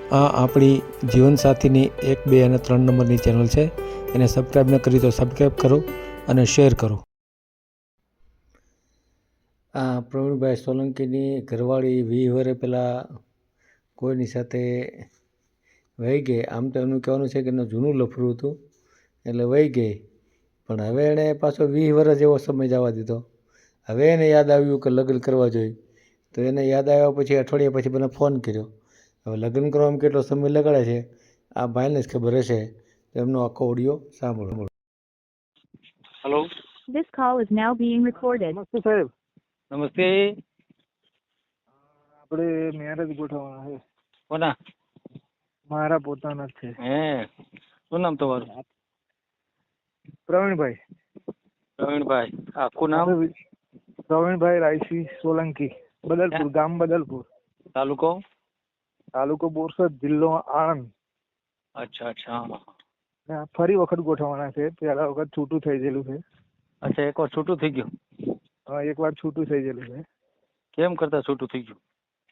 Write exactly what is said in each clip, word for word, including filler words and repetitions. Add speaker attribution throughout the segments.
Speaker 1: આ આપણી જીવનસાથીની એક બે અને ત્રણ નંબરની ચેનલ છે. એને સબસ્ક્રાઈબ ન કરી તો સબસ્ક્રાઈબ કરો અને શેર કરો. આ પ્રવીણભાઈ સોલંકીની ઘરવાળી વીસ વર્ષ પહેલાં કોઈની સાથે વહી ગઈ. આમ તો એનું કહેવાનું છે કે એનું જૂનું લફરું હતું એટલે વહી ગઈ, પણ હવે એણે પાછો વીસ વર્ષ જેવો સમય જવા દીધો. હવે એને યાદ આવ્યું કે લગ્ન કરવા જોઈએ, તો એને યાદ આવ્યા પછી અઠવાડિયા પછી મને ફોન કર્યો. હવે લગ્ન કરવામાં કેટલો સમય લગાડે છે આ ભાઈને જ ખબર હશે, તો એમનો આખો ઓડિયો સાંભળો.
Speaker 2: Hello,
Speaker 3: This call is now being recorded.
Speaker 4: નમસ્તે સાહેબ.
Speaker 2: નમસ્તે.
Speaker 4: આપણે મેરેજ ગોઠવવાના છે.
Speaker 2: કોના?
Speaker 4: મારા પોતાના જ છે.
Speaker 2: હે, શું નામ તમારું?
Speaker 4: પ્રવીણભાઈ.
Speaker 2: પ્રવીણભાઈ, આખું નામ?
Speaker 4: પ્રવીણભાઈ રાયસિંહ સોલંકી, બદલપુર, ગામ બદલપુર,
Speaker 2: તાલુકો?
Speaker 4: તાલુકો બોરસદ, જિલ્લો આણંદ.
Speaker 2: અચ્છા અચ્છા.
Speaker 4: ને આ ફરી વખત ગોઠવવાના છે. પહેલા વખત છૂટું થઈ ગયેલું છે.
Speaker 2: અચ્છા, એક વાર છૂટું થઈ ગયું?
Speaker 4: હા, એક વાર છૂટું થઈ ગયેલું છે.
Speaker 2: કેમ કરતા છૂટું થઈ ગયું?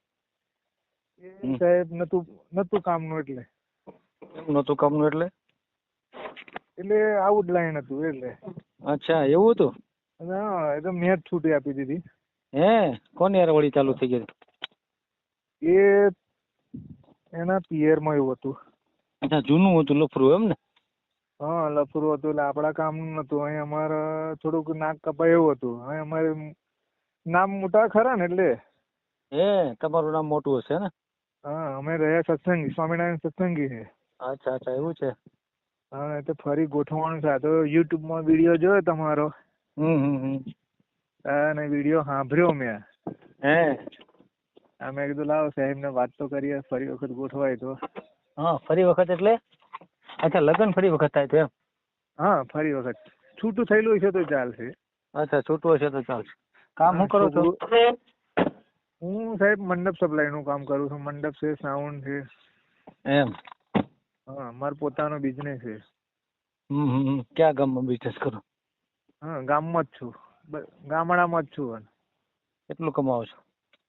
Speaker 4: એ સાહેબ નતું નતું કામનું એટલે.
Speaker 2: કેમ નહોતું કામનું એટલે?
Speaker 4: એટલે આઉટ લાઈન હતું એટલે.
Speaker 2: અચ્છા, એવું હતું?
Speaker 4: હા, એ તો મેં જ છૂટી આપી દીધી.
Speaker 2: હે, કોની યાર વળી ચાલુ થઈ ગઈ?
Speaker 4: એ એના પિયરમાં એવું હતું.
Speaker 2: અચ્છા, જૂનું હતું લફરું એમ ને?
Speaker 4: હા, લફરું હતું એટલે આપણા કામનું નતું. અહીં અમારે થોડુંક નાક કપાય એવું હતું. અહીં અમારે નામ મોટા ખરા ને એટલે.
Speaker 2: હે, તમારું નામ મોટું હશે ને?
Speaker 4: હા, અમે રહ્યા સત્સંગી, સ્વામિનારાયણ સત્સંગી છે.
Speaker 2: અચ્છા અચ્છા, એવું છે?
Speaker 4: હા, તો ફરી ગોઠવવાનું છે. આ તો યુટ્યુબમાં વિડીયો જોયો તમારો.
Speaker 2: હમ હમ હમ.
Speaker 4: અને વિડીયો સાંભળ્યો મેં.
Speaker 2: હે,
Speaker 4: આ મેં કીધું લાવો સાહેબને વાત તો કરીએ, ફરી વખત ગોઠવાય તો.
Speaker 2: હા, ફરી વખત એટલે? અચ્છા, લગ્ન ફરી વખત થાય તો એમ?
Speaker 4: હા, ફરી વખત છૂટું થયેલું છે તો ચાલશે.
Speaker 2: અચ્છા, છૂટું હશે તો ચાલશે. કામ શું કરો છો?
Speaker 4: હું સાહેબ મંડપ સપ્લાય નું કામ કરું છું. મંડપ છે, સાઉન્ડ છે.
Speaker 2: એમ?
Speaker 4: હા, મારો પોતાનો બિઝનેસ છે.
Speaker 2: હમ હમ. ક્યાં ગામમાં બિઝનેસ કરો?
Speaker 4: હા, ગામમાં જ છું, ગામડામાં જ છું.
Speaker 2: કેટલું કમાવો છો?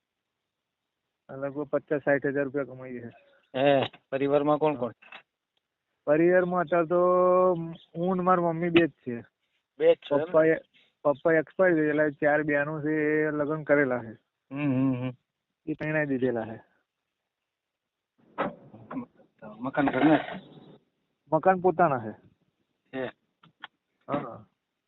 Speaker 4: લગભગ પચાસ સાઠ હજાર રૂપિયા કમાઈએ છે.
Speaker 2: હે, પરિવારમાં કોણ કોણ?
Speaker 4: પરિવારમાં અત્યારે તો હું ને મારી મમ્મી બે જ છે.
Speaker 2: બે જ છો?
Speaker 4: પપ્પા પપ્પા એક્સપાયર થયેલા. ચાર બહેનો છે, એ લગ્ન કરેલા છે.
Speaker 2: હમ.
Speaker 4: એ પરણાઈ દીધેલા છે.
Speaker 2: મકાન ઘરના?
Speaker 4: મકાન પોતાના છે.
Speaker 2: છે.
Speaker 4: હા.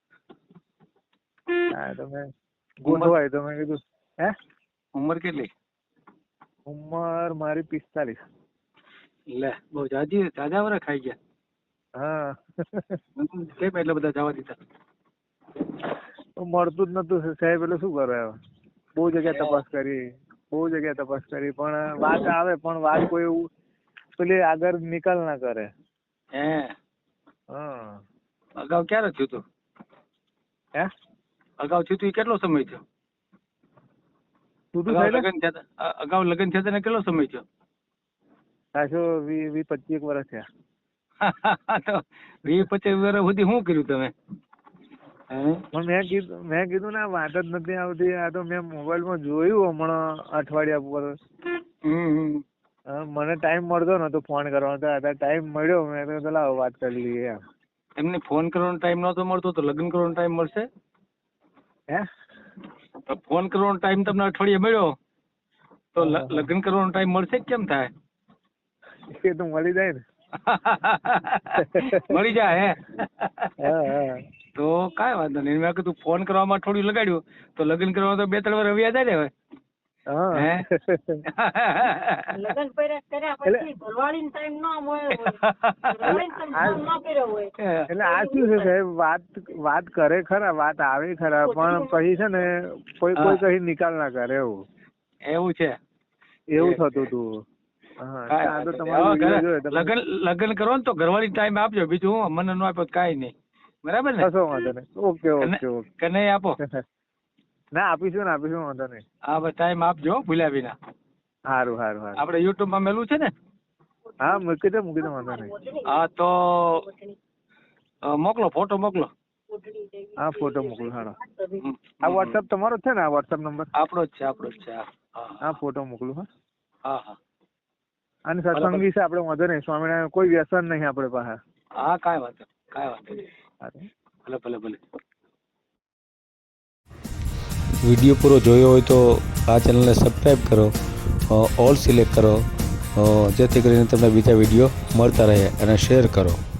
Speaker 4: હા, તમે ગોઠવાય તો મેં કીધું. હે,
Speaker 2: ઉંમર કેટલી?
Speaker 4: ઉંમર મારી પિસ્તાલીસ.
Speaker 2: લે, બહુ જાજી જાજા વરા ખાઈ ગયા.
Speaker 4: હા.
Speaker 2: કેમ એટલા બધા જવા દીધા?
Speaker 4: મળતું જ નતું સાહેબ, એટલે શું કરે હવે. બહુ જગ્યા તપાસ કરી, બહુ જગ્યા તપાસ કરી, પણ વાત આવે પણ વાત કોઈ એવું પેલી આગળ નિકાલ ના કરે.
Speaker 2: હે,
Speaker 4: હા.
Speaker 2: અગાઉ ક્યારે થયું તું?
Speaker 4: હે,
Speaker 2: અગાઉ થયું તું કેટલો સમય થયો?
Speaker 4: છૂટું
Speaker 2: અગાઉ
Speaker 4: થાય
Speaker 2: લગ્ન થયા હતા, અગાઉ લગ્ન થયા હતા કેટલો સમય થયો?
Speaker 4: ખાસો વી વી પચીસ વર્ષ થયા.
Speaker 2: તો વીસ પચીસ વર્ષ સુધી શું કર્યું તમે?
Speaker 4: પણ મેં કીધું મેં કીધું ને વાત જ નથી આવતી. આ તો મેં મોબાઈલમાં જોયું હમણાં અઠવાડિયા પર.
Speaker 2: હમ.
Speaker 4: મને ટાઈમ મળતો નતો ફોન કરવાનો, તો અત્યારે ટાઈમ મળ્યો. મેં તો લાવો વાત કરી લઈએ એમ.
Speaker 2: એમને ફોન કરવાનો ટાઈમ નતો મળતો તો લગ્ન કરવાનો ટાઈમ મળશે?
Speaker 4: હે,
Speaker 2: ફોન કરવાનો ટાઈમ તમને અઠવાડિયે મળ્યો તો લગ્ન કરવાનો ટાઈમ મળશે કેમ થાય?
Speaker 4: એ તો મળી જાય ને.
Speaker 2: મળી જાય
Speaker 4: હા હા.
Speaker 2: તો કાંઈ વાંધો નહીં. મેં કીધું ફોન કરવામાં અઠવાડિયું લગાડ્યું તો લગ્ન કરવા તો બે ત્રણ વાર વ્યા જાય ને હવે.
Speaker 4: હા.
Speaker 2: હે,
Speaker 3: લગ્ન કર્યા પછી ઘરવાળીને ટાઈમ ન મળ્યો હોય.
Speaker 4: એટલે આ શું છે સાહેબ, વાત વાત કરે ખરા, વાત આવે ખરા, પણ પછી છે ને કોઈ કોઈ કઈ નિકાલ ના કરે એવું.
Speaker 2: એવું છે?
Speaker 4: એવું થતું હતું. હા, તો તમારો
Speaker 2: હવે
Speaker 4: વિડીયો
Speaker 2: ઘરે
Speaker 4: જોયો તમે.
Speaker 2: લગ્ન લગ્ન કરો ને તો ઘરવાળી ટાઈમ આપજો, બીજું હું મને ન આપ્યો તો કાંઈ નહીં. બરાબર ને?
Speaker 4: કશો વાંધો નહીં. Okay okay okay.
Speaker 2: કે નહીં આપો?
Speaker 4: ના, આપીશું ને આપીશું, વાંધો નહીં.
Speaker 2: હા, બસ ટાઈમ આપજો ભૂલ્યા વિના.
Speaker 4: સારું સારું સારું.
Speaker 2: આપણે યુટ્યુબ માં મેલું છે ને?
Speaker 4: હા, મૂકી દે મૂકી દે, વાંધો નહીં.
Speaker 2: હા, તો મોકલો, ફોટો મોકલો.
Speaker 4: હા, ફોટો મોકલો. હાલો, આ વોટ્સઅપ તમારો છે ને? આ વોટ્સઅપ નંબર
Speaker 2: આપણો જ છે, આપણો જ છે.
Speaker 4: હા, ફોટો મોકલું. હા
Speaker 2: હા હા.
Speaker 4: અને સત્સંગ વિશે આપણે વાંધો નહીં, સ્વામિનારાયણ કોઈ વ્યસન નહીં આપણે પાસે.
Speaker 2: હા કાંઈ વાંધો નહીં, કાંઈ વાંધો નહીં.
Speaker 4: સારું.
Speaker 2: ભલે ભલે ભલે.
Speaker 1: વિડીયો પૂરો જોયો હોય તો આ ચેનલને સબસ્ક્રાઈબ કરો, ઓલ સિલેક્ટ કરો, અ, જેથી કરીને તમને બીજા વિડીયો મળતા રહે, અને શેર કરો.